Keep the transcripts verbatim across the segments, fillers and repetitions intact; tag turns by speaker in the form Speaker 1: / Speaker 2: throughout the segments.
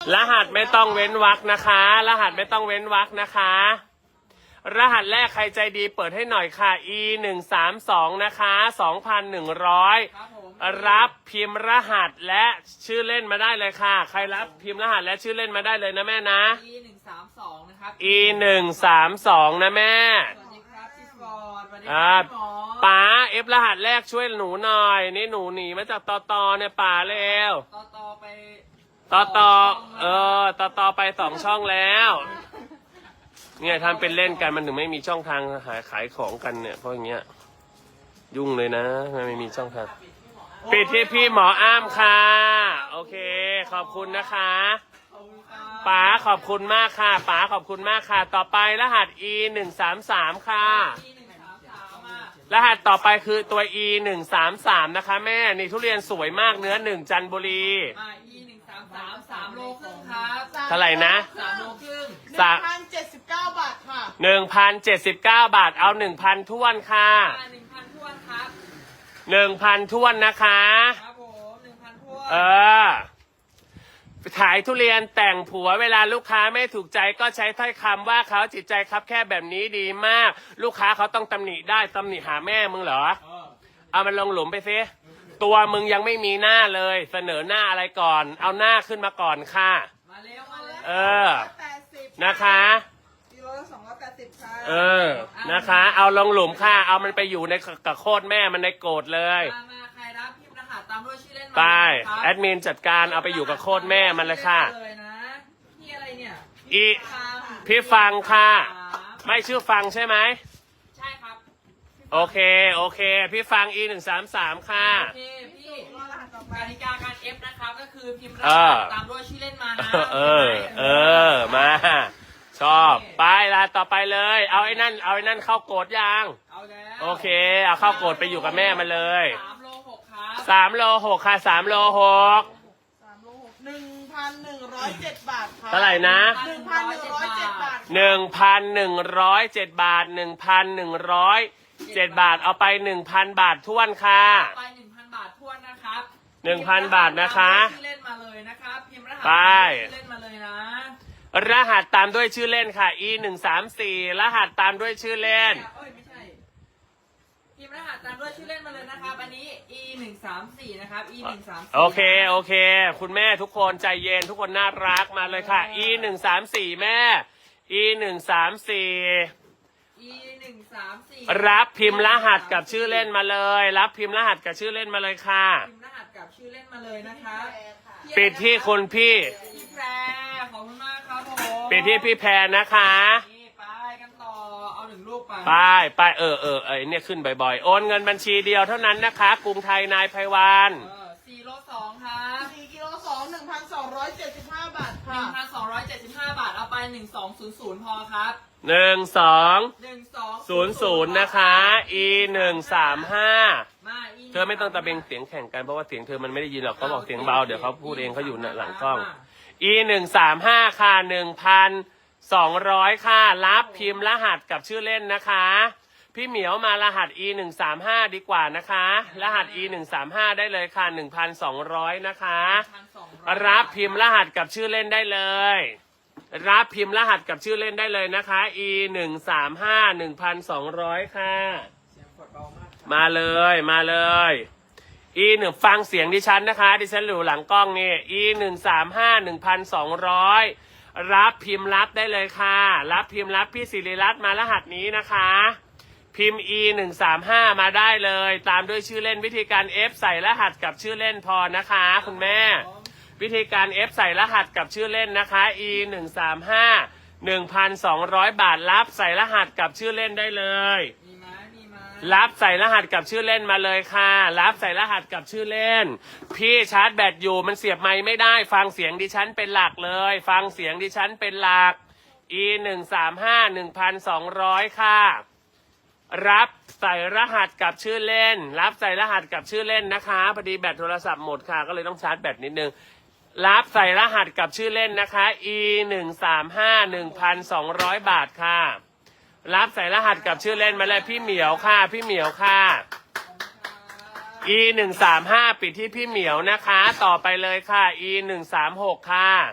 Speaker 1: รหัสไม่ต้องเว้นวรรคนะคะ รหัสไม่ต้องเว้นวรรคนะคะ รหัสแรกใครใจดีเปิดให้หน่อยค่ะ อี หนึ่ง สาม สอง นะคะ สองพันหนึ่งร้อย รับพิมพ์รหัสและชื่อเล่นมาได้เลยค่ะ ใครรับพิมพ์รหัสและชื่อเล่นมาได้เลยนะแม่นะ
Speaker 2: อี หนึ่ง สาม สอง นะครับ
Speaker 1: อี หนึ่ง สาม สอง นะแม่
Speaker 2: สวัสดีครับพี่ฟอร์ดสวัสดีค
Speaker 1: อ่า
Speaker 2: รับพี่หมอ
Speaker 1: ป๋าเอฟรหัสแรกช่วยหนูหน่อย นี่หนูหนีมาจากตอตอเนี่ยป๋าเร็ว
Speaker 2: ต่อต่อไป
Speaker 1: ตอตอเออตอตอไปสองช่องแล้วเนี่ยทำเป็นเล่นกันมันถึงไม่มีช่องทางหาขายของกันเนี่ยเพราะอย่างเงี้ยยุ่งเลยนะมันไม่มีช่องทางปิดที่พี่หมออ้ามค่ะโอเคขอบคุณนะคะ
Speaker 2: ขอบคุณครับ
Speaker 1: ป๋าขอบคุณมากค่ะป๋าขอบคุณมากค่ะ ต่อไปรหัส อี หนึ่ง สาม สาม ค่ะ
Speaker 2: อี หนึ่ง สาม สาม อ่ะ
Speaker 1: รหัสต่อไปคือตัว อี หนึ่ง สาม สาม นะคะแม่นี่ทุเรียนสวยมากเนื้อหนึ่งจันทบุรี
Speaker 2: อ่า อี หนึ่ง สาม สาม สามโลครึ่งครับ
Speaker 1: เท่าไหร่นะ
Speaker 2: สามโลครึ่ง
Speaker 3: หนึ่งพันเจ็ดสิบเก้าบาทค่ะ
Speaker 1: หนึ่งพันเจ็ดสิบเก้าบาทเอาหนึ่งพันท้วนค่ะ
Speaker 2: อ่าหนึ่งพันทวนครับ
Speaker 1: หนึ่งพันท้วนนะคะ
Speaker 2: ครับผมหนึ่งพันทวน
Speaker 1: เออขายทุเรียนแต่งผัวเวลาลูกค้าไม่ถูกใจก็ใช้ถ้อยคำว่าเขาจิตใจครับแค่แบบนี้ดีมาก ลูกค้าเขาต้องตำหนิได้ตำหนิหาแม่มึงเหรอ
Speaker 2: เออ
Speaker 1: เอามันลงหลุมไปซิตัวมึงยังไม่มีหน้าเลย เสนอหน้าอะไรก่อน เอาหน้าขึ้นมาก่อนค่ะ
Speaker 2: มาเร็วมาเร็ว
Speaker 1: เออ
Speaker 3: แปดสิบ
Speaker 1: นะคะ
Speaker 3: กิโลละสองร้อยแปดสิบค่ะ
Speaker 1: เออนะคะ เอาลงหลุมค่ะเอามันไปอยู่ในกับโคตรแม่มันในโกรธเลย
Speaker 2: มามาใครรับพิมพ์รหัสตามด้วยชื่อเล่นมา
Speaker 1: ไป
Speaker 2: เลยครับ
Speaker 1: แอดมินจัดการเอาไปอยู่กับโคตรแม่มันเลยค่ะ
Speaker 2: เลยนะพี่อะไรเนี่ย
Speaker 1: อี
Speaker 2: ฟัง
Speaker 1: พี่ฟังค่ะ
Speaker 2: ครับ
Speaker 1: ไม่ชื่อฟังใช่ไหม
Speaker 2: ใช่ครับ
Speaker 1: โอเคโอเค พี่ฟัง อี หนึ่ง สาม สาม ค่ะ
Speaker 2: โอเคพี่
Speaker 3: รอรหัสต่อไป
Speaker 2: กติกาการ F นะครับก็คือพิมพ์ร
Speaker 1: เอ
Speaker 2: หั
Speaker 1: อ
Speaker 2: สตามด้วยชื่อเล่นมานะ
Speaker 1: เออเออมาชอบไปลาต่อไปเลย เอาไอ้นั่นเอาไอ้นั่นเข้าโกรธยัง
Speaker 2: เอาแล้ว
Speaker 1: โอเค เอาเข้าโกรธไปอยู่กับแม่มันเลย
Speaker 2: สามโลหกครับ
Speaker 1: สามโลหกค่ะสามโลหก
Speaker 3: สามโลหกหนึ่งพันหนึ่งร้อยเจ็ดบาทค่ะ
Speaker 1: เท่าไหร่นะ
Speaker 3: หนึ่งพันหนึ่งร้อยเจ็ดบาท
Speaker 1: หนึ่งพันหนึ่งร้อยเจ็ดบาทหนึ่งพันหนึ่งร้อยเจ็ดบาทเอาไปหนึ่งพันบาทท้วนค่ะ
Speaker 2: ไปหนึ่งพันบาททวนนะครับ
Speaker 1: หนึ่งพันบาทนะคะ
Speaker 2: พิมพ์รหัสตามด้วยชื่อเล่นมาเลยนะครับพิมพ์รหัส
Speaker 1: ไป
Speaker 2: ตามด้วยชื่อเล่นมาเลยนะ
Speaker 1: รหัสตามด้วยชื่อเล่นค่ะ อี หนึ่ง สาม สี่ รหัสตามด้วยชื่อเล่น
Speaker 2: เอ้ยไม่ใช่พิมพ์รหัสตามด้วยชื่อเล่นมาเลยนะครับอันนี้ อี หนึ่ง สาม สี่ นะครับ อี หนึ่ง สาม สี่
Speaker 1: โอเคโอเค คุณแม่ทุกคนใจเย็นทุกคนน่ารักมาเลยค่ะ อี หนึ่ง สาม สี่ แม่ อี หนึ่ง สาม สี่
Speaker 2: อี หนึ่ง สาม สี่
Speaker 1: รับพิมพ์รหัสกับชื่อเล่นมาเลย รับพิมพ์รหัสกับชื่อเล่นมาเลยค่ะ
Speaker 2: พิมพ์รหัสกับชื่อเล่นมาเลยนะครับ
Speaker 1: ปิดที่คุณพี่
Speaker 2: พี่แพรขอบคุณมากครับผม
Speaker 1: ปิดที่พี่แพรนะคะ
Speaker 2: นี่ไปกันต่อเอาหนึ่งลูกไป
Speaker 1: ไปไปเออเออเออเนี่ยขึ้นบ่อยๆโอนเงินบัญชีเดียวเท่านั้นนะคะ กรุงไทยนายไพวัน
Speaker 2: เออสี่โลสองครับ
Speaker 3: สี่กิโลสองหนึ่งพันสองร้อยเจ็ดสิบห้าบาท
Speaker 2: ห
Speaker 3: ค่ะ
Speaker 2: นึ่งพันสองร้อยเจ็ดสิบห้าบาทเอาไปหนึ่งสองศูนย์ศูนย์พอครับ
Speaker 1: หนึ่งสอง
Speaker 2: หนึ่งสอง
Speaker 1: ศูนย์ศูนย์นะคะ อีหนึ่งสามห้า
Speaker 2: มาอี
Speaker 1: เธอไม่ต้องตะเบงเสียงแข่งกันเพราะว่าเสียงเธอมันไม่ได้ยินหรอกเขาบอกเสียงเบาเดี๋ยวเขาพูดเองเขาอยู่หลังกล้อง อีหนึ่งสามห้าค่ะหนึ่งพันสองร้อยค่ะรับพิมพ์รหัสกับชื่อเล่นนะคะ พี่เหมียวมารหัส อีหนึ่งสามห้าดีกว่านะคะ รหัส อีหนึ่งสามห้าได้เลยค่ะหนึ่งพันสองร้อยนะคะ รับพิมพ์รหัสกับชื่อเล่นได้เลย รับพิมพ์รหัสกับชื่อเล่นได้เลยนะคะ อีหนึ่งสามห้าหนึ่งพันสองร้อยค่ะ
Speaker 2: เสียงกดเบามาก
Speaker 1: มาเลยมาเลย อีหนึ่งฟังเสียงดิฉันนะคะดิฉันอยู่หลังกล้องนี่ อีหนึ่งสามห้าหนึ่งพันสองร้อยรับพิมพ์รับได้เลยค่ะ รับพิมพ์รับพี่ศิริรัตน์มารหัสนี้นะคะ พิมพ์ อีหนึ่งสามห้ามาได้เลย ตามด้วยชื่อเล่นวิธีการ F ใส่รหัสกับชื่อเล่นพอนะคะ คุณแม่ วิธีการ F ใส่รหัสกับชื่อเล่นนะคะ อีหนึ่งสามห้าหนึ่งพันสองร้อยบาทรับใส่รหัสกับชื่อเล่นได้เลย
Speaker 2: มีไหมมีไหม
Speaker 1: รับใส่รหัสกับชื่อเล่นมาเลยค่ะ รับใส่รหัสกับชื่อเล่น พี่ชาร์จแบตอยู่มันเสียบไมค์ไม่ได้ ฟังเสียงดิฉันเป็นหลักเลย ฟังเสียงดิฉันเป็นหลัก อีหนึ่งสามห้าหนึ่งพันสองร้อยค่ะ รับใส่รหัสกับชื่อเล่น รับใส่รหัสกับชื่อเล่นนะคะพอดีแบตโทรศัพท์หมดค่ะก็เลยต้องชาร์จแบตนิดนึง รับใส่รหัสกับชื่อเล่นนะคะ อีหนึ่งสามห้าหนึ่งพันสองร้อยบาทค่ะ รับใส่รหัสกับชื่อเล่นมาเลยพี่เหมียวค่ะพี่เหมียวค่ะ อีหนึ่งสามห้าปิดที่พี่เหมียวนะคะ ต่อไปเลยค่ะ อีหนึ่งสามหกค่ะ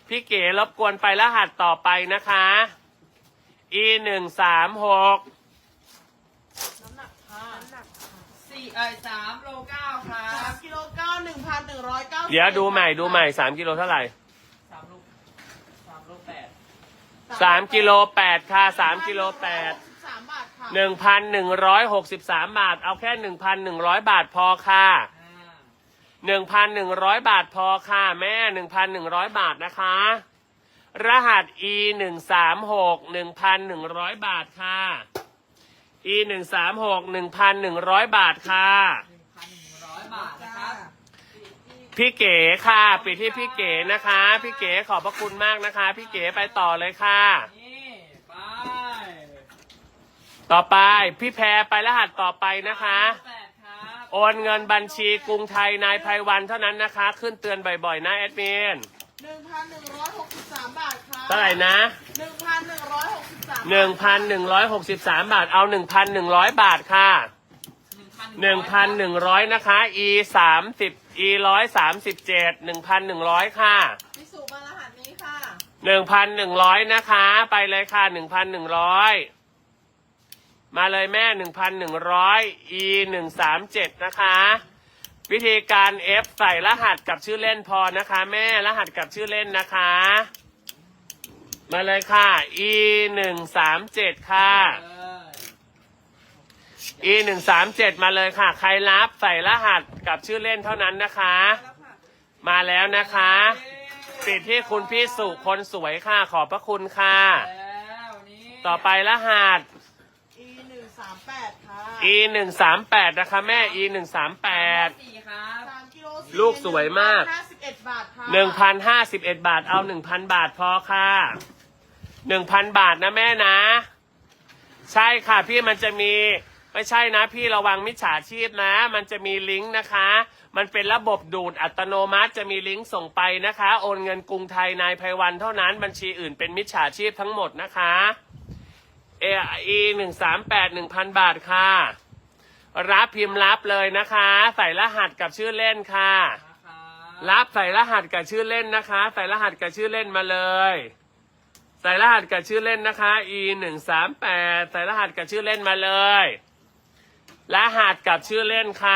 Speaker 1: พี่เก๋รบกวนไปรหัสต่อไปนะคะ อีหนึ่งสามหก
Speaker 3: น้ำหนักค่ะ
Speaker 2: สี่เอ้ยสามโลเก้าครั
Speaker 3: สา
Speaker 2: บ
Speaker 3: มกิโลเก้าหนึ่งพันหนึ่งร้อยเก้า
Speaker 1: เดี๋ยวดูใหม่ดูใหม่สามกิโลเท่าไหร่
Speaker 2: สามโลสามโลแปด
Speaker 1: สามกิโลแปดค่ะสามกิโลแปด
Speaker 3: สามบาทค่ะ
Speaker 1: หนึ่งพันหนึ่งร้อยหกสิบสามบาท เอาแค่หนึ่งพันหนึ่งร้อยบาทพอค่ะ
Speaker 2: อ่า
Speaker 1: หนึ่งพันหนึ่งร้อยบาทพอค่ะแม่หนึ่งพันหนึ่งร้อยบาทนะคะ รหัส อีหนึ่งสามหก หนึ่งพันหนึ่งร้อยบาทค่ะ อีหนึ่งสามหก หนึ่งพันหนึ่งร้อยบาทค่ะ
Speaker 2: หนึ่งพันหนึ่งร้อยบาทนะครับ
Speaker 1: พี่เก๋ค่ะปิดที่พี่เก๋นะคะ พี่เก๋ขอบพระคุณมากนะคะ พี่เก๋ไปต่อเลยค่ะ
Speaker 2: นี่ไป
Speaker 1: ต่อไปพี่แพรไปรหัสต่อไปนะคะ
Speaker 2: แปดครับ
Speaker 1: โอนเงินบัญชีกรุงไทยนายไพวันเท่านั้นนะคะ ขึ้นเตือนบ่อยๆนะแอดมิน
Speaker 3: หนึ่งพันหนึ่งร้อยหกสิบสามบาทค่ะ
Speaker 1: เท่าไหร่นะ
Speaker 3: หนึ่งพันหนึ่งร้อยหกสิบสาม
Speaker 1: หนึ่งพันหนึ่งร้อยหกสิบสามบาทเอาหนึ่งพันหนึ่งร้อยบาทค่ะหนึ่งพันหนึ่งร้อยนะคะ อีสามสิบอีร้อยสามสิบเจ็ดหนึ่งพันหนึ่งร้อยค่ะ
Speaker 3: พี่สุมารหัสนี้ค่ะ
Speaker 1: หนึ่งพันหนึ่งร้อยนะคะ ไปเลยค่ะหนึ่งพันหนึ่งร้อยมาเลยแม่หนึ่งพันหนึ่งร้อยอีหนึ่งสามเจ็ดนะคะ วิธีการ F ใส่รหัสกับชื่อเล่นพอนะคะ แม่รหัสกับชื่อเล่นนะคะ มาเลยค่ะ อีหนึ่งสามเจ็ดค่ะ
Speaker 2: เออ
Speaker 1: อีหนึ่งสามเจ็ดมาเลยค่ะ ใครรับใส่รหัสกับชื่อเล่นเท่านั้นนะคะ มาแล้วนะคะปิดที่คุณพี่สุคนสวยค่ะ ขอบพระคุณค่ะ
Speaker 2: แล้วนี่
Speaker 1: ต่อไปรหัส
Speaker 3: อีหนึ่งสามแปดค่ะ
Speaker 1: อีหนึ่งสามแปดนะคะแม่ อีหนึ่งสามแปด
Speaker 2: สี่ครับ
Speaker 3: สามกิโลสี่
Speaker 1: ลูกสวยมาก
Speaker 3: ห้าสิบเอ็ดบาทค่ะ
Speaker 1: หนึ่งพันห้าสิบเอ็ดบาทเอาหนึ่งพันบาทพอค่ะหนึ่งพันบาทนะแม่นะ ใช่ค่ะพี่มันจะมีไม่ใช่นะพี่ระวังมิจฉาชีพนะ มันจะมีลิงก์นะคะ มันเป็นระบบดูดอัตโนมัติจะมีลิงก์ส่งไปนะคะ โอนเงินกรุงไทยนายไพวันเท่านั้นบัญชีอื่นเป็นมิจฉาชีพทั้งหมดนะคะเออีหนึ่งสามแปดหนึ่งพันบาทค่ะ รับพิมพ์รับเลยนะคะ ใส่รหัสกับชื่อเล่นค่ะ
Speaker 2: นะครับ
Speaker 1: รับใส่รหัสกับชื่อเล่นนะคะ ใส่รหัสกับชื่อเล่นมาเลย ใส่รหัสกับชื่อเล่นนะคะ อีหนึ่งสามแปดใส่รหัสกับชื่อเล่นมาเลย รหัสกับชื่อเล่นค่ะ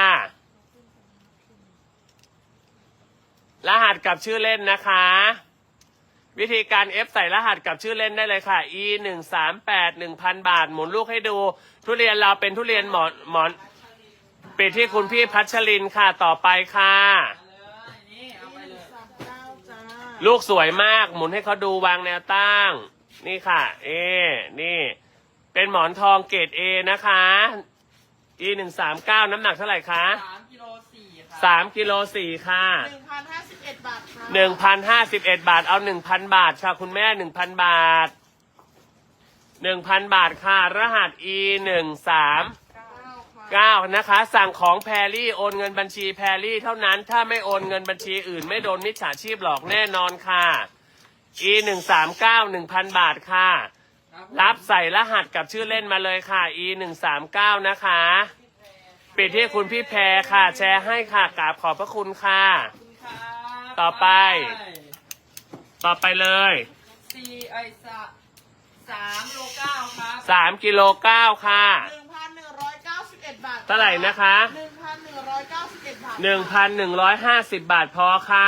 Speaker 1: รหัสกับชื่อเล่นนะคะ วิธีการ F ใส่รหัสกับชื่อเล่นได้เลยค่ะ อีหนึ่งสามแปด หนึ่งพันบาทหมุนลูกให้ดู ทุเรียนเราเป็นทุเรียนหมอนหมอนปิดที่คุณพี่พัชรินค่ะต่อไปค่ะ
Speaker 2: มาเลยนี่เอาไปเลย
Speaker 3: สามเก้าจ้า
Speaker 1: ลูกสวยมากหมุนให้เขาดูวางแนวตั้ง นี่ค่ะ เอ นี่ เป็นหมอนทองเกรดเอนะคะ อีหนึ่งสามเก้าน้ำหนักเท่าไหร่คะ
Speaker 2: สามกิโลสี่ครับ
Speaker 1: สามกิโลสี่ค่ะ
Speaker 3: หนึ่งพันห้าสิบเอ็ดบาทค่ะ
Speaker 1: หนึ่งพันห้าสิบเอ็ดบาทเอาหนึ่งพันบาทค่ะ คุณแม่หนึ่งพันบาทหนึ่งพันบาทค่ะ รหัส อีหนึ่งสาม
Speaker 3: เก้าค่ะ
Speaker 1: เก้านะคะ สั่งของแพรรี่โอนเงินบัญชีแพรรี่เท่านั้น ถ้าไม่โอนเงินบัญชีอื่นไม่โดนมิจฉาชีพหลอกแน่นอนค่ะ อีหนึ่งสามเก้า หนึ่งพันบาทค่ะ
Speaker 2: ครับ
Speaker 1: รับใส่รหัสกับชื่อเล่นมาเลยค่ะ อีหนึ่งสามเก้านะคะ ปิดที่คุณพี่แพรค่ะ แชร์ให้ค่ะกราบขอบพระคุณค่ะ
Speaker 2: ขอบคุณครับ
Speaker 1: ต่อไป ต่อไปเลย
Speaker 2: สี่ไอ้สะสามโลเก้าครับ
Speaker 1: สามกิโลเก้าค่ะ
Speaker 3: หนึ่งพันหนึ่งร้อยเก้าสิบเอ็ดบาท
Speaker 1: เท่าไหร่นะคะ
Speaker 3: หนึ่งพันหนึ่งร้อยเก้าสิบเอ็ดบาท
Speaker 1: หนึ่งพันหนึ่งร้อยห้าสิบบาทพอค่ะ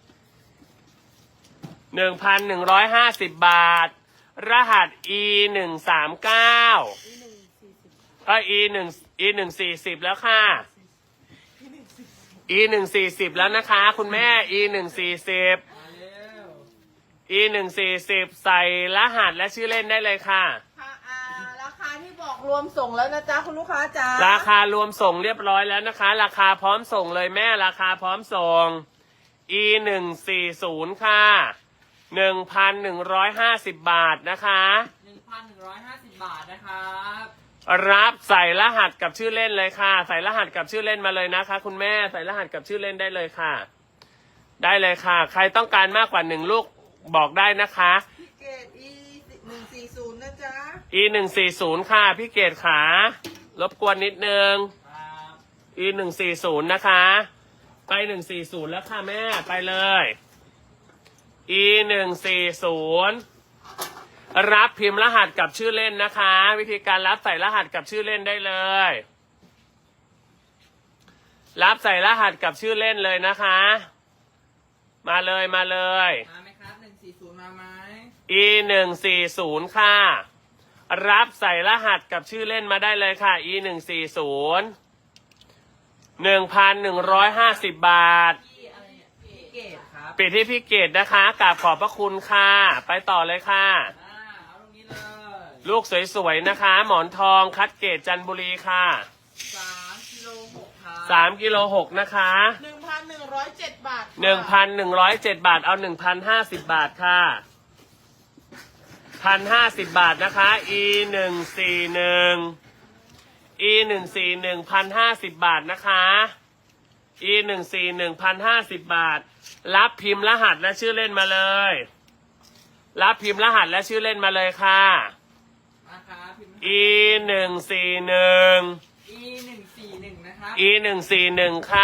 Speaker 1: หนึ่งพันหนึ่งร้อยห้าสิบบาท รหัส อีหนึ่งสามเก้า
Speaker 3: อีหนึ่งสี่สิบ
Speaker 1: ก็ อีหนึ่ง อีหนึ่งสี่สิบแล้วค่ะ
Speaker 3: อีหนึ่งสี่สิบ
Speaker 1: อีหนึ่งสี่สิบแล้วนะคะ คุณแม่ อีหนึ่งสี่สิบ
Speaker 2: มาเร็ว
Speaker 1: อีหนึ่งสี่สิบใส่รหัสและชื่อเล่นได้เลยค่ะ
Speaker 3: ค่ะอ่าราคาที่บอกรวมส่งแล้วนะจ๊ะคุณลูกค้าจ๋า
Speaker 1: ราคารวมส่งเรียบร้อยแล้วนะคะ ราคาพร้อมส่งเลยแม่ราคาพร้อมส่ง อีหนึ่งสี่ศูนย์ค่ะหนึ่งพันหนึ่งร้อยห้าสิบบาทนะคะ
Speaker 2: หนึ่งพันหนึ่งร้อยห้าสิบบาทนะครับ
Speaker 1: รับใส่รหัสกับชื่อเล่นเลยค่ะ ใส่รหัสกับชื่อเล่นมาเลยนะคะ คุณแม่ใส่รหัสกับชื่อเล่นได้เลยค่ะ ได้เลยค่ะ ใครต้องการมากกว่าหนึ่งลูกบอกได้นะคะ
Speaker 3: พี่เกดอีหนึ่งสี่ศูนย์นะจ๊ะ
Speaker 1: อีหนึ่งสี่ศูนย์ค่ะพี่เกดขารบกวนนิดนึง
Speaker 2: ครับ
Speaker 1: อีหนึ่งสี่ศูนย์นะคะ ไปหนึ่งสี่ศูนย์แล้วค่ะแม่ไปเลย ไปอี หนึ่งสี่ศูนย์ รับพิมพ์รหัสกับชื่อเล่นนะคะ วิธีการรับใส่รหัสกับชื่อเล่นได้เลย รับใส่รหัสกับชื่อเล่นเลยนะคะ มาเลยมาเลย
Speaker 2: มาไหมครับหนึ่งสี่ศูนย์มาไหม
Speaker 1: อี หนึ่งสี่ศูนย์ ค่ะ รับใส่รหัสกับชื่อเล่นมาได้เลยค่ะ อี หนึ่งสี่ศูนย์ หนึ่งพันหนึ่งร้อยห้าสิบบาท
Speaker 2: พี่อะไรเนี่ยพี่เกตครับ
Speaker 1: ปิดที่พี่เกดนะคะกราบขอบพระคุณค่ะ ไปต่อเลยค่ะ
Speaker 2: อ่าเอาตรงนี้เลย
Speaker 1: ลูกสวยๆนะคะ หมอนทองคัดเกรดจันทบุรีค่ะ
Speaker 2: สามกิโลหกครับ
Speaker 1: สามกิโลหกนะคะ
Speaker 3: หนึ่งพันหนึ่งร้อยเจ็ดบาทค่ะ
Speaker 1: หนึ่งพันหนึ่งร้อยเจ็ดบาทเอาหนึ่งพันห้าสิบบาทค่ะพันห้าสิบบาทนะคะ อี หนึ่งสี่หนึ่ง อี หนึ่งสี่หนึ่งพันห้าสิบบาทนะคะ อี หนึ่งสี่หนึ่งพันห้าสิบบาท รับพิมพ์รหัสและชื่อเล่นมาเลย รับพิมพ์รหัสและชื่อเล่นมาเลยค่ะ
Speaker 2: มาครับพิมพ์
Speaker 1: อี หนึ่งสี่หนึ่ง
Speaker 2: อีหนึ่งสี่หนึ่งนะครับ
Speaker 1: อี หนึ่งสี่หนึ่งค่ะ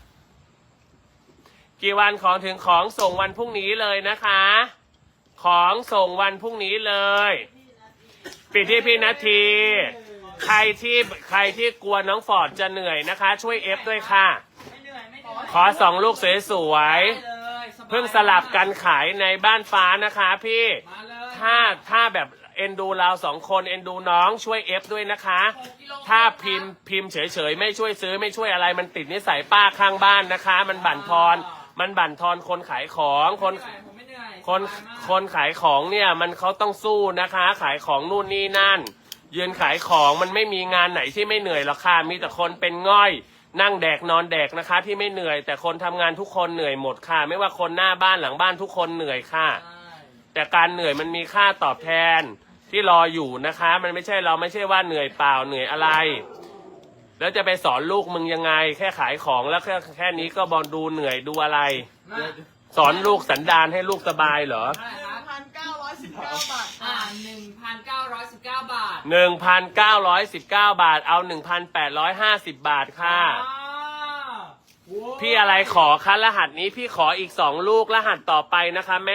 Speaker 1: กี่วันของถึงของส่งวันพรุ่งนี้เลยนะคะ ของส่งวันพรุ่งนี้เลย ปิดที่พี่นาที ใครที่ใครที่กลัวน้องฟอร์ดจะเหนื่อยนะคะ ช่วยเอฟด้วยค่ะ
Speaker 2: ไม่เหนื่อยไม่เหนื่อย
Speaker 1: ขอสองลูกสวย
Speaker 2: ได้เลยสบาย
Speaker 1: ๆ เพิ่งสลับกันขายในบ้านฟ้านะคะพี่
Speaker 2: มาเลย
Speaker 1: ถ้าถ้าแบบเอ็นดูเราสองคนเอ็นดูน้องช่วยเอฟด้วยนะคะ
Speaker 2: หกกิโล
Speaker 1: ถ้าพิมพ์พิมพ์เฉยๆ ไม่ช่วยซื้อไม่ช่วยอะไรมันติดนิสัยป้าข้างบ้านนะคะ มันบั่นทอนมันบั่นทอนคนขายของคน
Speaker 2: ไม่เหนื่อยผมไม่เหนื่อย
Speaker 1: คน
Speaker 2: สบายมาก
Speaker 1: คนขายของเนี่ยมันเขาต้องสู้นะคะ ขายของนู่นนี่นั่น ยืนขายของมันไม่มีงานไหนที่ไม่เหนื่อยหรอกค่ะมีแต่คนเป็นง่อย นั่งแดกนอนแดกนะคะ ที่ไม่เหนื่อย แต่คนทำงานทุกคนเหนื่อยหมดค่ะ ไม่ว่าคนหน้าบ้านหลังบ้านทุกคนเหนื่อยค่ะ
Speaker 2: ใช่
Speaker 1: แต่การเหนื่อยมันมีค่าตอบแทนที่รออยู่นะคะ มันไม่ใช่เราไม่ใช่ว่าเหนื่อยเปล่าเหนื่อยอะไร แล้วจะไปสอนลูกมึงยังไง แค่ขายของแล้วแค่แค่นี้ก็บอลดูเหนื่อยดูอะไร
Speaker 2: มา
Speaker 1: สอนลูกสันดานให้ลูกสบายเหรอ
Speaker 2: เท่าไหร่
Speaker 3: ห
Speaker 2: ค
Speaker 3: นึ่
Speaker 2: รั
Speaker 3: ง
Speaker 2: บ
Speaker 3: พันเก้าร้อยสิบเก้าบาท
Speaker 2: อ่า
Speaker 3: ค่ะ
Speaker 2: หนึ่งพันเก้าร้อยสิบเก้าบาท
Speaker 1: หนึ่งพันเก้าร้อยสิบเก้าบาทเอาหนึ่งพันแปดร้อยห้าสิบบาทค่ะ
Speaker 2: อ่าโว้ย
Speaker 1: พี่อะไรขอคะรหัสนี้พี่ขออีกสองลูกรหัสต่อไปนะคะแม่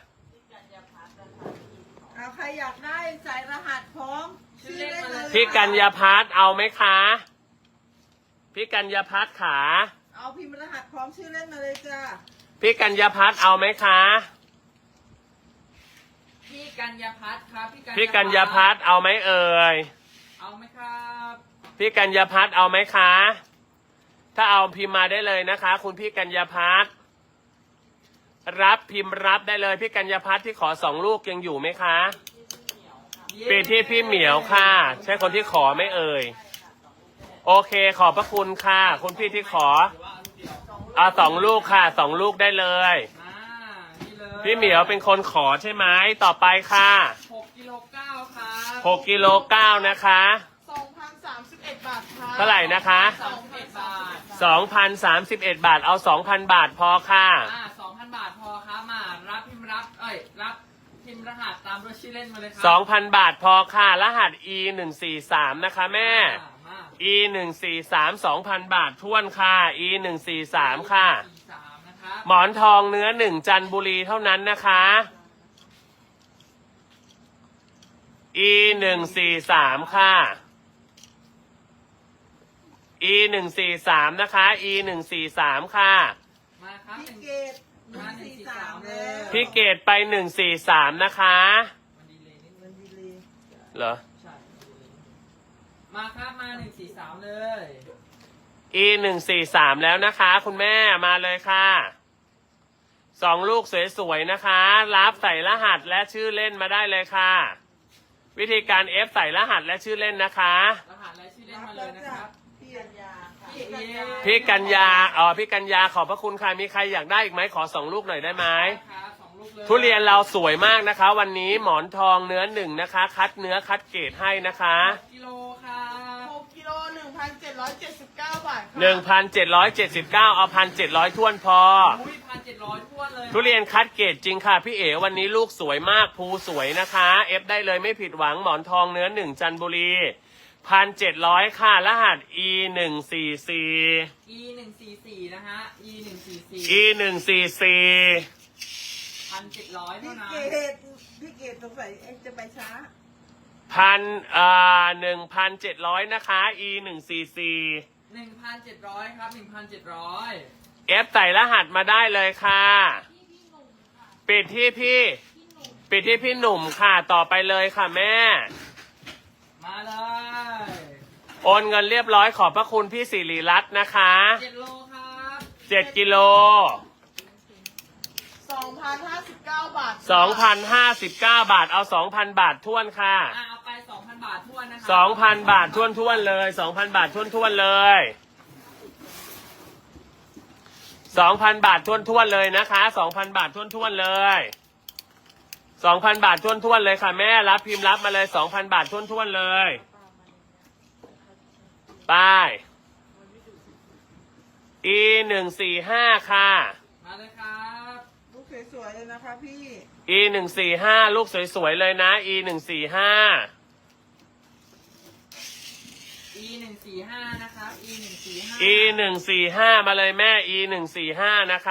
Speaker 3: เอาใครอยากได้ใส่รหัสพร้อมชื่อเล่นมาเลย
Speaker 1: พี่กัญญาพัฒน์เอาไหมคะ พี่กัญญาพัฒน์ขา
Speaker 3: เอาพิมพ์รหัสพร้อมชื่อเล่นมาเลยจ้า
Speaker 1: พี่กัญญาพัฒน์เอาไหมคะ
Speaker 2: พี่กัญญาพัฒน์ครับ
Speaker 1: พี่กัญญาพัฒน์เอาไหมเอ่ย
Speaker 2: เอาไหมครับ
Speaker 1: พี่กัญญาพัฒน์เอาไหมคะ ถ้าเอาพิมพ์มาได้เลยนะคะ คุณพี่กัญญาพัฒน์รับพิมพ์รับได้เลยพี่กัญญาพัฒน์ที่ขอสองลูกยังอยู่ไหมคะปิดที่พี่เหมียวค่ะ ใช่คนที่ขอไหม่เอ่ย โอเคขอบพระคุณค่ะ คุณพี่ที่ขอ
Speaker 2: หรือว่าเอาลูกเดียว
Speaker 1: เอาสองลูกค่ะสองลูกได้เลย
Speaker 2: อ่านี่เลย
Speaker 1: พี่เหมียวเป็นคนขอใช่ไหมต่อไปค่ะ
Speaker 2: หกกิโลเก้าครับ
Speaker 1: หกกิโลเก้านะคะ
Speaker 3: สองพันสามสิบเอ็ดบาทค่ะ
Speaker 1: เท่าไหร่นะคะ
Speaker 2: สองพันบาท
Speaker 1: สองพันสามสิบเอ็ดบาทเอาสองพันบาทพอค่ะ
Speaker 2: อ่าสองพันบาทพอครับมารับพิมพ์รับเอ้ยรับพิมพ์รหัสตามด้วยชื่อเล่นมาเลยครั
Speaker 1: สองพันบาทพอค่ะ รหัส อี หนึ่งสี่สามนะคะแม่
Speaker 2: อ่ามา
Speaker 1: อี หนึ่งสี่สาม สองพันบาทท้วนค่ะ อี หนึ่งสี่สามค่ะ
Speaker 2: สี่สามนะครับ
Speaker 1: หมอนทองเนื้อหนึ่งจันทบุรีเท่านั้นนะคะ อี หนึ่งสี่สามค่ะ อี หนึ่งสี่สามนะคะ อี หนึ่งสี่สามค่ะ
Speaker 2: มาครับห
Speaker 3: พี่
Speaker 2: นึ่ง
Speaker 3: เกดหนึ่งสี่สามแล้ว
Speaker 1: พี่เกดไปหนึ่งสี่สามนะคะ
Speaker 2: มันดีเลยนิดนึ
Speaker 3: เงิ
Speaker 2: ง
Speaker 3: นดีเลย
Speaker 1: เหรอ
Speaker 2: ใช่มันดีเลยมาครับมาหนึ่งสี่สามเลย
Speaker 1: อี หนึ่งสี่สามแล้วนะคะ คุณแม่มาเลยค่ะสองลูกสวยๆนะคะ รับใส่รหัสและชื่อเล่นมาได้เลยค่ะ วิธีการ F ใส่รหัสและชื่อเล่นนะคะ
Speaker 2: รหัสและชื่อเล่น
Speaker 3: รับ
Speaker 2: มาเล
Speaker 3: แล้ว
Speaker 2: ยนะ
Speaker 3: จ้ะ
Speaker 2: ครับ
Speaker 3: พี่กัญญาค่ะ
Speaker 2: พี่กัญญา
Speaker 1: พี่กัญญาอ๋อพี่กัญญาขอบพระคุณค่ะมีใครอยากได้อีกไหมขอสองลูกหน่อยได้ไหม
Speaker 2: ครับสองลูกเลย
Speaker 1: ทุเรียนเราสวยมากนะคะ วันนี้หมอนทองเนื้อหนึ่งนะคะ คัดเนื้อคัดเกรดให้นะคะ
Speaker 2: กิโลครับ
Speaker 3: หกกิโลหนึ่งพันเจ็ดร้อยเจ็ดสิบเก้าบาทค่ะ
Speaker 1: หนึ่งพันเจ็ดร้อยเจ็ดสิบเก้าเอาพันเจ็ดร้อยท้วนพอ
Speaker 2: อุ้ยพันเจ็ดร้อยทั่วนเลย
Speaker 1: ทุเรียนคัดเกรดจริงค่ะพี่เอ๋วันนี้ลูกสวยมากภูสวยนะคะเอฟได้เลยไม่ผิดหวังหมอนทองเนื้อหนึ่งจันทบุรีพันเจ็ดร้อยค่ะรหัส อี หนึ่งสี่สี่
Speaker 2: อีหนึ่งสี่สี่นะฮะ อีหนึ่งสี่สี่
Speaker 1: อี หนึ่งสี่สี่
Speaker 2: พันเจ็ดร้อย
Speaker 3: พี่
Speaker 2: เท่านั้น
Speaker 3: เกดพี่เกดสงสัยเอ็งจะไปช้า
Speaker 1: พันอ่าหนึ่งพันเจ็ดร้อยนะคะ e หนึ่งสี่สี่
Speaker 2: หนึ่งพันเจ็ดร้อยครับหนึ่งพันเจ็ดร้อย
Speaker 1: f ใส่รหัสมาได้เลยค่ะปิดที่พี่ปิดที่พี่หนุ่มค่ะต่อไปเลยค่ะแม่
Speaker 2: มาเลย
Speaker 1: โอนเงินเรียบร้อยขอบพระคุณพี่สิริรัตน์นะคะ
Speaker 2: เจ็ดโลครับ
Speaker 1: เจ็ดกิโล
Speaker 3: สองพันห้าสิบเก้าบาท
Speaker 1: สองพันห้าสิบเก้าบาทเอาสองพันบาทท้วนค่ะ
Speaker 2: อ่ะเอาไปสองพันบาททวนนะครั
Speaker 1: สองพันบาทท้วนท้วนๆเลยสองพันบาทท้วนท้วนๆเลยสองพันบาทท้วนท้วนๆเลยนะคะสองพันบาทท้วนท้วนๆเลยสองพันบาทท้วนท้วนๆเลยค่ะแม่รับพิมพ์รับมาเลยสองพันบาทท้วนท้วนๆเลยไป e หนึ่งสี่ห้าค่ะ
Speaker 2: มาเลยครับ
Speaker 3: ลูกสวยๆเลยนะคะพี่
Speaker 1: e หนึ่งสี่ห้าลูกสวยๆเลยนะ e หนึ่งสี่ห้า
Speaker 2: e หนึ่งสี่ห้านะครับ e หนึ่งสี่ห้า
Speaker 1: e หนึ่งสี่ห้ามาเลยแม่ e หนึ่งสี่ห้านะคะ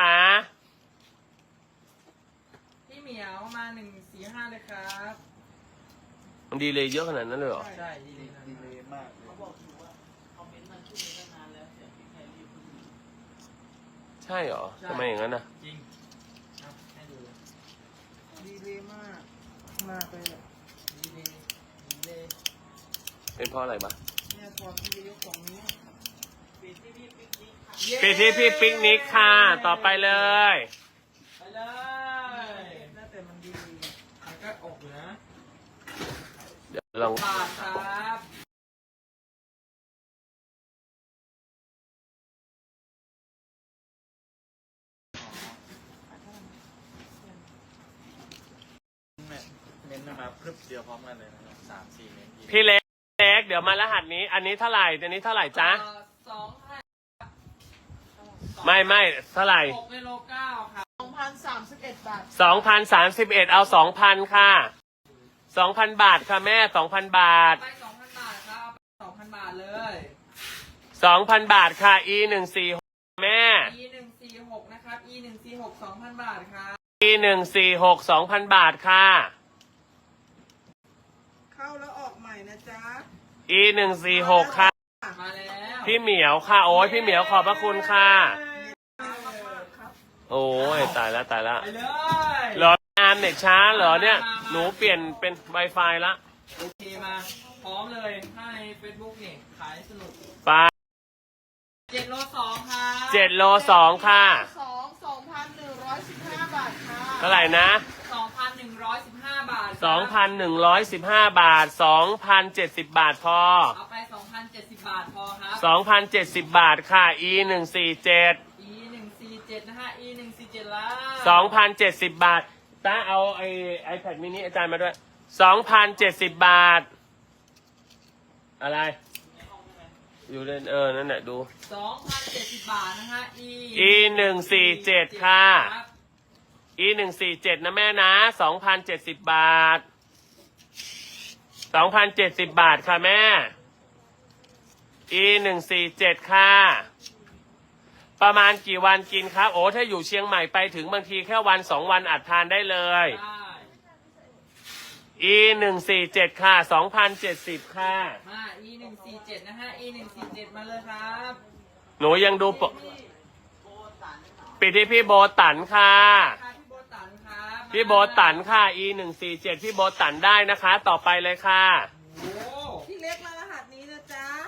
Speaker 2: พี่เหมียวมาหนึ่งสี่ห้าเลยครับ
Speaker 1: มันดีเลยเยอะขนาดนั้นเลยเหรอ
Speaker 2: ใช่ดีเลยครับ
Speaker 4: ดีเลยมากเลย
Speaker 3: เขาบอกอยู่ว่าคอมเมนต์มันขึ้นมาตั้งนานแล้วแต่พี่ใครรีบ
Speaker 1: ใช่เหรอทำไมอย่างนั้นนะ
Speaker 2: จริงครับให้ดูเลย
Speaker 3: ดีเลยมาก มากเลยอะ
Speaker 2: ดีเลยดีเลย
Speaker 1: เป็นเพราะอะไรบ้าง
Speaker 3: เนี่ยพอพี่จะยกของนี้ปิดที่พี่ปิ๊กนิกค่ะ
Speaker 2: เย้
Speaker 1: ปิดที่พี่ปิกนิกค่ะ ต่อไปเลย
Speaker 2: ไปเลย
Speaker 3: น่าแต่มันดี
Speaker 2: มันก็ออกอยู่นะ
Speaker 1: เดี๋ยวลอง
Speaker 2: บาทครับ
Speaker 4: เน้นมาพรึบเดียวพร้อมกันเลยนะครับสามสี่เน้นที
Speaker 1: พี่เล็กเล็กเดี๋ยวมารหัสนี้ อันนี้เท่าไหร่อันนี้เท่าไหร่จ๊ะ
Speaker 2: เอ่อสองพัน
Speaker 1: ไม่ไม่เท่าไหร่
Speaker 2: หกกิโลเก้าครับ
Speaker 3: สองพันสามสิบเอ็ดบาท
Speaker 1: สองพันสามสิบเอ็ดเอาสองพันค่ะสองพันบาทค่ะแม่สองพันบาท
Speaker 2: ไปสองพันบาทครับสองพันบาทเลย
Speaker 1: สองพันบาทค่ะ e หนึ่งสี่หกแม่
Speaker 2: e หนึ่งสี่หกนะครับ e หนึ่งสี่หกสองพันบาทครับ
Speaker 1: e หนึ่งสี่หกสองพันบาทค่ะ
Speaker 3: เข้าแล้วออกใหม่นะจ๊ะ
Speaker 1: e หนึ่งสี่หกค่ะ
Speaker 2: มาแล้ว
Speaker 1: พี่เหมียวค่ะโอ้ยพี่เหมียวขอบพระคุณค่ะ
Speaker 3: ครับ
Speaker 1: โอ้ยตายแล้วตายแล้ว
Speaker 2: ไปเลย
Speaker 1: เหรองานเน็ตช้าเหรอเนี่ย หนูเปลี่ยนเป็น Wi-Fi ละ
Speaker 2: โอเคมาพร้อมเลยถ้าใน เฟซบุ๊ก นี่ขายสนุก
Speaker 1: ไป
Speaker 2: เจ็ดโลสองครับ
Speaker 1: เจ็ดโลสองค่ะ
Speaker 3: สองสองพันหนึ่งร้อยสิบห้าบาทค่ะ
Speaker 1: เท่าไหร่นะ
Speaker 2: สองพันหนึ่งร้อยสิบห้าบาทครับ
Speaker 1: สองพันหนึ่งร้อยสิบห้าบาทสองพันเจ็ดสิบบาทพอ
Speaker 2: เอาไปสองพันเจ็ดสิบบาทพอครับ
Speaker 1: สองพันเจ็ดสิบบาทค่ะ e หนึ่งสี่เจ็ด
Speaker 2: e หนึ่งสี่เจ็ดนะฮะ e หนึ่งสี่เจ็ดแล้ว
Speaker 1: สองพันเจ็ดสิบบาทตาเอาไอไอแพดมินิอาจารย์มาด้วยสองพันเจ็ดสิบบาท อะไร อยู่เล่นเออ นั่นแหละดู
Speaker 2: สองพันเจ็ดสิบบาทนะฮะ e
Speaker 1: e หนึ่งสี่เจ็ดค่ะ
Speaker 2: รับ
Speaker 1: e หนึ่งสี่เจ็ดนะแม่นะสองพันเจ็ดสิบบาทสองพันเจ็ดสิบบาทค่ะแม่ e หนึ่งสี่เจ็ดค่ะ ประมาณกี่วันกินครับ โอ้ถ้าอยู่เชียงใหม่ไปถึงบางทีแค่วันสองวันอาจทานได้เลย
Speaker 2: ได้
Speaker 1: e หนึ่งสี่เจ็ดค่ะสองพันเจ็ดสิบค่ะ
Speaker 2: มา e หนึ่งสี่เจ็ดนะฮะ e หนึ่งสี่เจ็ดมาเลยครับ
Speaker 1: หนูยังดูปกปิดที่พี่โบตันค่ะ
Speaker 2: ค่ะพี่โบตันครับ
Speaker 1: พี่โบตันค่ะ e หนึ่งสี่เจ็ดพี่โบตันได้นะคะ ต่อไปเลยค่ะ
Speaker 2: โอ้
Speaker 3: พี่เล็กมารหัสนี้นะจ๊ะ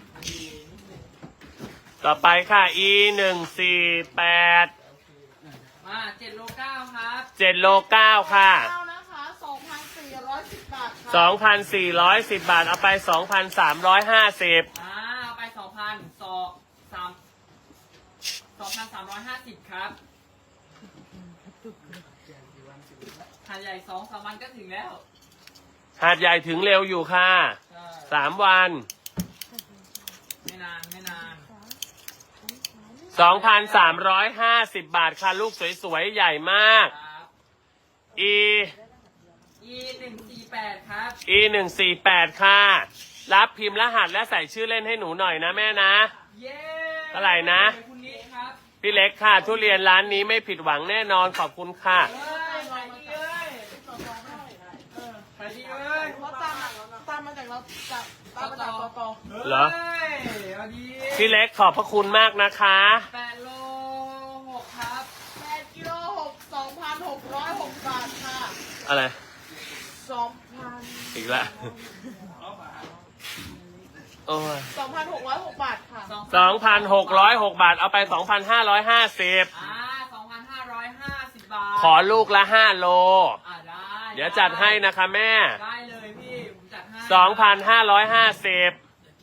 Speaker 1: ต่อไปค่ะ e หนึ่งสี่แปด
Speaker 2: มาเจ็ดโลเก้าครับ
Speaker 1: เจ็ดโลเก้าค่ะ
Speaker 3: เข้านะคะสองพันสี่ร้อยสิบบาทค่ะ
Speaker 1: สองพันสี่ร้อยสิบบาทเอาไปสองพันสามร้อยห้าสิบ
Speaker 2: อ่าเอาไปสองพันสองสามสองพันสามร้อยห้าสิบครับหาดใหญ่สองสามวันก็ถึงแล้ว
Speaker 1: หาดใหญ่ถึงเร็วอยู่ค่ะ
Speaker 2: ใช่
Speaker 1: สามวัน
Speaker 2: ไม่นานไม่นาน
Speaker 1: สองพันสามร้อยห้าสิบบาทค่ะ ลูกสวยๆ ใหญ่มาก
Speaker 2: ครับ
Speaker 1: e
Speaker 2: e หนึ่งสี่แปดครับ
Speaker 1: e หนึ่งสี่แปดค่ะ รับพิมพ์รหัสและใส่ชื่อเล่นให้หนูหน่อยนะแม่นะ
Speaker 2: เย้
Speaker 1: เท่าไหร่นะ
Speaker 2: คุณนิดครับ
Speaker 1: พี่เล็กค่ะ ทุเรียนร้านนี้ไม่ผิดหวังแน่นอนขอบคุณค่ะ
Speaker 2: เฮ้ย
Speaker 3: เราจับตามมาจากกก
Speaker 1: เหรอ
Speaker 2: เฮ้ยเอาดี
Speaker 1: พี่เล็กขอบพระคุณมากนะคะ
Speaker 2: แปดโลหกครับ
Speaker 3: แปดกิโลหกสองพันหกร้อยหกบาทค่ะ
Speaker 1: อะไร
Speaker 3: สองพัน
Speaker 1: อีกแล้วโอ้ย
Speaker 3: สองพันหกร้อยหกบาทค่ะ
Speaker 1: สองพันหกร้อยหกบาท เอาไปสองพันห้าร้อยห้าสิบ
Speaker 2: อ่าสองพันห้าร้อยห้าสิบบาท
Speaker 1: ขอลูกละห้าโล
Speaker 2: อ่าได้
Speaker 1: เดี๋ยวจัดให้นะคะแม่
Speaker 2: ได้เลยพี่ผมจัดให้
Speaker 1: สองพันห้าร้อยห้าสิบ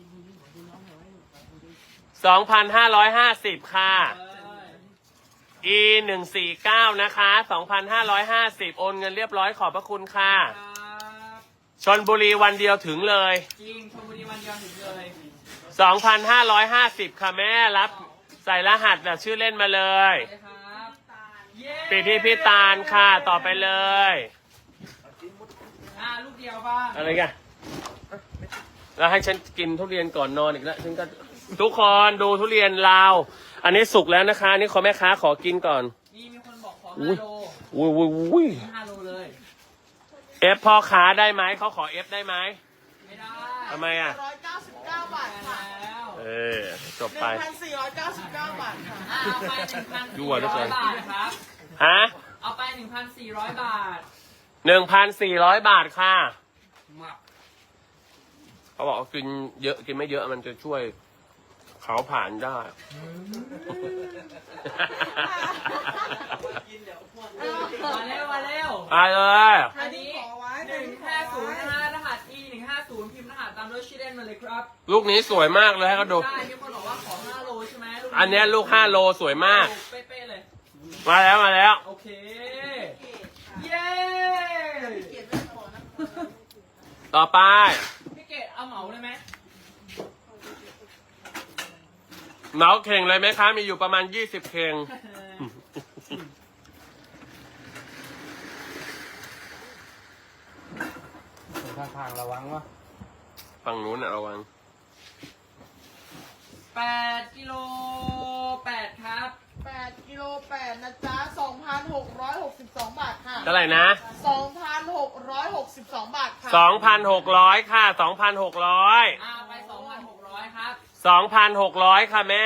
Speaker 1: สองพันห้าร้อยห้าสิบค่ะ
Speaker 2: เอ้ย
Speaker 1: อี หนึ่งสี่เก้า นะคะ สองพันห้าร้อยห้าสิบ โอนเงินเรียบร้อยขอบพระคุณค่ะ
Speaker 2: ครับ
Speaker 1: ชลบุรีวันเดียวถึงเลย
Speaker 2: จริงชลบุรีวันเดียวถึงเลย
Speaker 1: สองพันห้าร้อยห้าสิบ ค่ะแม่รับ ใส่รหัสแบบชื่อเล่นมาเลย
Speaker 2: ไปครับเย้
Speaker 1: ปีที่พี่ตาลค่ะ ต่อไปเลย
Speaker 2: อ่าลูกเดียวบ้าง
Speaker 1: อะไรกันแล้วให้ฉันกินทุเรียนก่อนนอนอีกแล้วฉันก็ทุกคนดูทุเรียนลาว อันนี้สุกแล้วนะคะ นี่ขอแม่ค้าขอกินก่อน
Speaker 2: นี่มีคนบอกขอ
Speaker 1: อุ้
Speaker 2: ห้าย โล
Speaker 1: อุ้ยอุ้ยอุ้ย
Speaker 2: ห้าโลเลย
Speaker 1: เอฟพ่อค้าได้ไหมเขาขอเอฟได้ไหม
Speaker 2: ไม่ได้
Speaker 1: ทำไมอ่ะ
Speaker 3: ร้อยเก้าสิบเก้าบาท
Speaker 2: แพ
Speaker 3: ค่ะ
Speaker 2: งแล้ว
Speaker 1: เออจบ
Speaker 3: ห
Speaker 1: ไป
Speaker 3: นึ่งพันสี่ร้อยเก้าสิบเก้าบาทค่ะ
Speaker 2: อ่าเอาไปหนึ่งพัน
Speaker 1: ยั่
Speaker 2: สี่
Speaker 1: ว
Speaker 2: ร้
Speaker 1: เหลือเกิ
Speaker 2: อย
Speaker 1: น
Speaker 2: บาทครับ
Speaker 1: ฮะ
Speaker 2: เอาไปหนึ่งพันสี่ร้อยบาท
Speaker 1: หนึ่งพันสี่ร้อยบาทค่ะ
Speaker 2: มา
Speaker 1: เขาบอกว่ากินเยอะกินไม่เยอะมันจะช่วยเขาผ่านได้
Speaker 2: มาเร็วมาเร็ว
Speaker 1: ไปเลย
Speaker 2: อันนี้
Speaker 3: ขอไว้
Speaker 2: หนึ่งห้าศูนย์นะฮะรหัส e หนึ่งห้าศูนย์พิมพ์รหัสตามด้วยชื่อเล่นมาเลยครับ
Speaker 1: ลูกนี้สวยมากเลยให้เขาดู
Speaker 2: ได้มีคนบอกว่าขอห้าโลใช่ไหมลูก
Speaker 1: อันเนี้ยลูกห้าโลสวยมาก
Speaker 2: เป๊ะๆเลย
Speaker 1: มาแล้วมาแล้ว
Speaker 2: โอเค เย้
Speaker 3: เขียนไม่พอนะ
Speaker 1: ต่อไป
Speaker 2: พี่เกดเอาเหมาเลยไหม
Speaker 1: เหมาเข่งเลยไหมคะ มีอยู่ประมาณยี่สิบเข่ง
Speaker 4: ข้างๆระวังวะ
Speaker 1: ฝั่งนู้นน่ะระวัง
Speaker 2: แปดกิโลแปดครับ
Speaker 3: แปดกิโลแปดนะจ๊ะสองพันหกร้อยหกสิบสองบาทค่ะ
Speaker 1: เท่าไหร่นะ
Speaker 3: สองพันหกร้อยหกสิบสองบาทค่ะ
Speaker 1: สองพันหกร้อยค่ะสองพันหกร้อย
Speaker 2: อ่าไปสองพันหกร้อยครับ
Speaker 1: สองพันหกร้อยค่ะแม่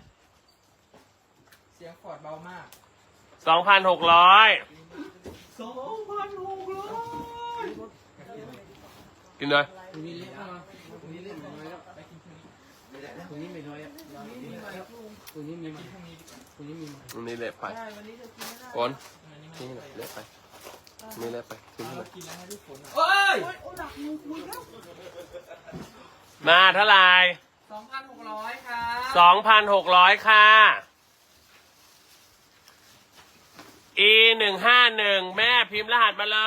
Speaker 2: เสียงฟอร์ดเบามาก
Speaker 1: สองพันหกร้อย
Speaker 2: สองพันหกร้อย
Speaker 1: กินเลย
Speaker 5: ตัวนี้เล็กมากตัวนี้เล็กน้อยแล้วตัวนี้ไม่น้อยอ่ะตัวนี้มีตัวนี้มี
Speaker 1: อันนี้เละไป
Speaker 3: ใช่วันนี้เธอกินไม่ได้
Speaker 1: ก่อนนี่แหละเละไปนี่เละไปทิ้งไป
Speaker 2: กินแล้วให้ทุกคนเอ้ย
Speaker 3: โอ๊ยโอ้หนักมือคุยแล้ว
Speaker 1: มาเท่าไหร่
Speaker 2: สองพันหกร้อยครับ
Speaker 1: สองพันหกร้อยค่ะ e หนึ่งห้าหนึ่งแม่พิมพ์รหัสมาเลย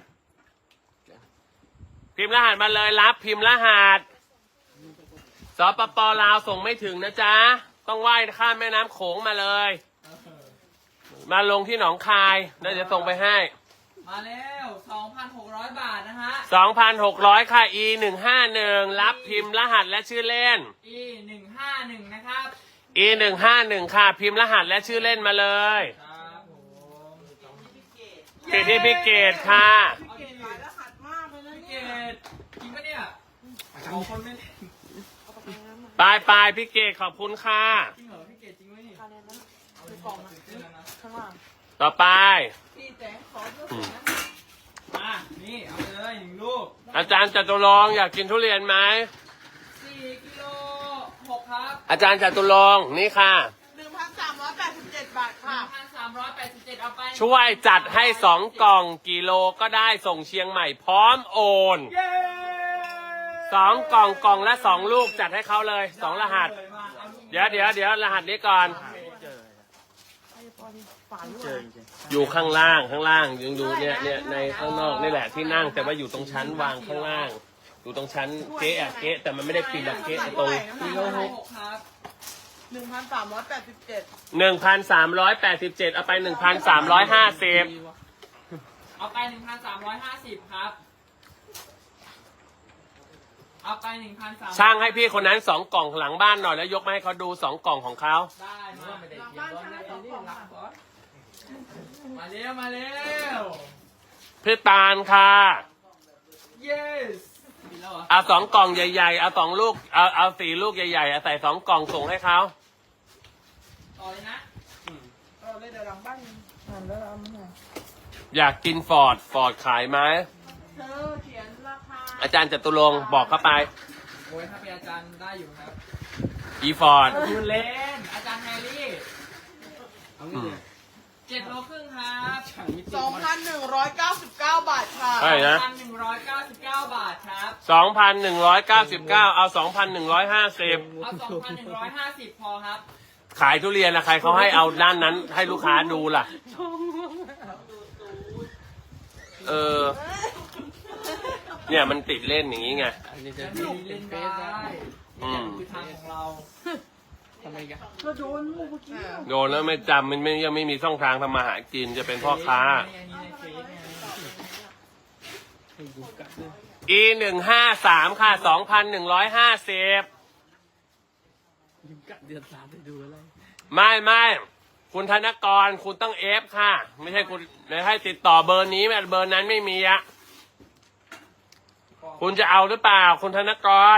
Speaker 1: พิมพ์รหัสมาเลยรับพิมพ์รหัสสปปลาวส่งไม่ถึงนะจ๊ะ ต้องว่ายข้ามแม่น้ำโขงมาเลย มาลงที่หนองคายแล้วเดี๋ยวส่งไปให้
Speaker 2: มาแล้วสองพันหกร้อยบาทนะฮะ
Speaker 1: สองพันหกร้อยค่ะ e หนึ่งห้าหนึ่งรับพิมพ์รหัสและชื่อเล่น
Speaker 2: e หนึ่งห้าหนึ่งนะครับ
Speaker 1: e หนึ่งห้าหนึ่งค่ะ พิมพ์รหัสและชื่อเล่นมาเลย
Speaker 2: ครับผม
Speaker 1: ปิดที่พี่เกดค่ะ
Speaker 3: พี่เกดหลายรหัสมากเลยนะ
Speaker 2: พี่เก
Speaker 3: เนี่ย
Speaker 2: ดจริงปะเนี่ยเอาคนไม่เล่น
Speaker 1: ปลายปลายพี่เกดขอบคุณค่ะ
Speaker 2: จริงเหรอพี่เกดจริงไหมนี่
Speaker 3: อะไรนะในกล่องนะข้างล่าง
Speaker 1: ต่อไป
Speaker 3: พี่แจ๊คขอเพื่อนนะ
Speaker 2: มานี่เอาเลยหนึ่งลูก
Speaker 1: อาจารย์จตุรงค์อยากกินทุเรียนไหม
Speaker 2: สี่กิโลหกครับ
Speaker 1: อาจารย์จตุรงค์นี่ค่ะ
Speaker 3: หนึ่งพันสามร้อยแปดสิบเจ็ดบาท
Speaker 2: ห
Speaker 3: ค่ะ
Speaker 2: นึ่งพันสามร้อยแปดสิบเจ็ดเอาไป
Speaker 1: ช่วยจัดให้สองกล่องกิโลก็ได้ส่งเชียงใหม่พร้อมโอน
Speaker 2: เย้
Speaker 1: สองกล่องกล่องละสองลูกจัดให้เขาเลยสองรหัส
Speaker 2: เลยมาอาลูก
Speaker 1: เดี๋ยวเดี๋ยวเดี๋ยวรหัสนี้ก่อน
Speaker 4: เจอ
Speaker 3: ไอ้ปอนี่ฝาลูก
Speaker 4: เจอจริง
Speaker 1: อยู่ข้างล่างข้างล่างยังอยู่เนี่ยเนี่ยในข้างนอกนี่แหละที่นั่งแต่ว่าอยู่ตรงชั้นวางข้างล่าง อยู่ตรงชั้นเก๊ะอะเก๊ะแต่มันไม่ได้ปิดแบบเก๊ะตรง
Speaker 2: กิโลหกครับ
Speaker 3: หนึ่งพันสามร้อยแปดสิบเจ็ด
Speaker 1: หนึ่งพันสามร้อยแปดสิบเจ็ดเอาไปหนึ่งพันสามร้อยห้าสิบ
Speaker 2: เอาไปหนึ่งพันสามร้อยห้าสิบครับ เอาไปหนึ่งพันสาม
Speaker 1: ช่างให้พี่คนนั้นสองกล่องหลังบ้านหน่อยแล้วยกมาให้เขาดูสองกล่องของเขา
Speaker 2: ได้มา
Speaker 3: หลังบ้านช่างสองกล่องค่ะ
Speaker 2: มาเร็วมาเร็ว
Speaker 1: พี่ตาลค่ะ
Speaker 2: yes
Speaker 3: ร
Speaker 2: แล้วเหรอ
Speaker 1: เอาสองกล่องใหญ่ๆ เอาสองลูก เอาเอาสี่ลูกใหญ่ๆเอาใส่สองกล่องส่งให้เขา
Speaker 2: ต่อเลยนะ
Speaker 3: เออเลยเดี๋ยวหลังบ้านหันแล้วเอามา
Speaker 1: อยากกินฟอร์ด ฟอร์ดขายไหม
Speaker 3: เธอเขียนราคา
Speaker 1: อาจารย์จตุรงค์บอกเข้าไป
Speaker 2: โอ้ยถ้าเป็นอาจารย์ได้อยู่ครับ
Speaker 1: อีฟอร์ด
Speaker 2: คุณเล่น อาจารย์แฮร์รี่
Speaker 5: เอางี้เลย
Speaker 2: เจ็ดโลครึ่งครับ
Speaker 5: ช่างมิติ
Speaker 3: สองพันหนึ่งร้อยเก้าสิบเก้าบาทค่ะ
Speaker 1: ใช่นะ
Speaker 2: พันหนึ่งร้อยเก้าสิบเก้าบาทครับ
Speaker 1: สองพันหนึ่งร้อยเก้าสิบเก้า เอาสองพันหนึ่งร้อยห้าสิบ
Speaker 2: เอาสองพันหนึ่งร้อยห้าสิบพอครับ
Speaker 1: ขายทุเรียนนะใครเขาให้เอาด้านนั้นให้ลูกค้าดูล่ะ เออ เนี่ยมันติดเล่นอย่างนี้ไง
Speaker 5: อันนี้จะ
Speaker 2: จะ
Speaker 5: มี
Speaker 2: มี
Speaker 5: เป็
Speaker 2: เล่
Speaker 5: น
Speaker 2: น
Speaker 5: เฟ
Speaker 2: ได้
Speaker 5: ซนะ
Speaker 1: อืม
Speaker 2: คือทางของเรา
Speaker 5: ทำไมกัน
Speaker 3: ก็โดนลูกเมื่อกี้
Speaker 1: โดนแล้วไม่จำมันไม่ยังไม่มีช่องทางทำมาหากินจะเป็นพ่อค้า
Speaker 2: อันนี้ในเฟซไง
Speaker 5: ให้ดูกัดด้วย
Speaker 1: e หนึ่งห้าสามค่ะสองพันหนึ่งร้อยห้าสิบ
Speaker 5: ดูกัดเดือนสามไปดูอะไร
Speaker 1: ไม่ไม่คุณธนกรคุณต้องเอฟค่ะ ไม่ใช่คุณไม่ให้ติดต่อเบอร์นี้แม่เบอร์นั้นไม่มีอะคุณจะเอาหรือเปล่า คุณธนกร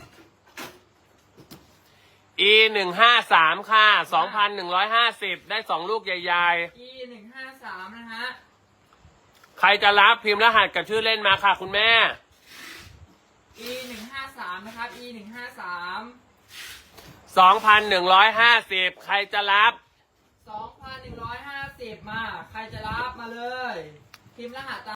Speaker 1: e หนึ่งห้าสามค่ะสองพันหนึ่งร้อยห้าสิบได้สองลูกใหญ่
Speaker 2: อีหนึ่งห้าสามนะฮะ
Speaker 1: ๆ ใครจะรับพิมพ์รหัสกับชื่อเล่นมาค่ะ คุณแม่
Speaker 2: อีหนึ่งห้าสามนะครับ อีหนึ่งห้าสาม
Speaker 1: สองพันหนึ่งร้อยห้าสิบใครจะรับ
Speaker 2: สองพันหนึ่งร้อยห้าสิบมา ใครจะรับมาเลยพิมพ์รหัสตาม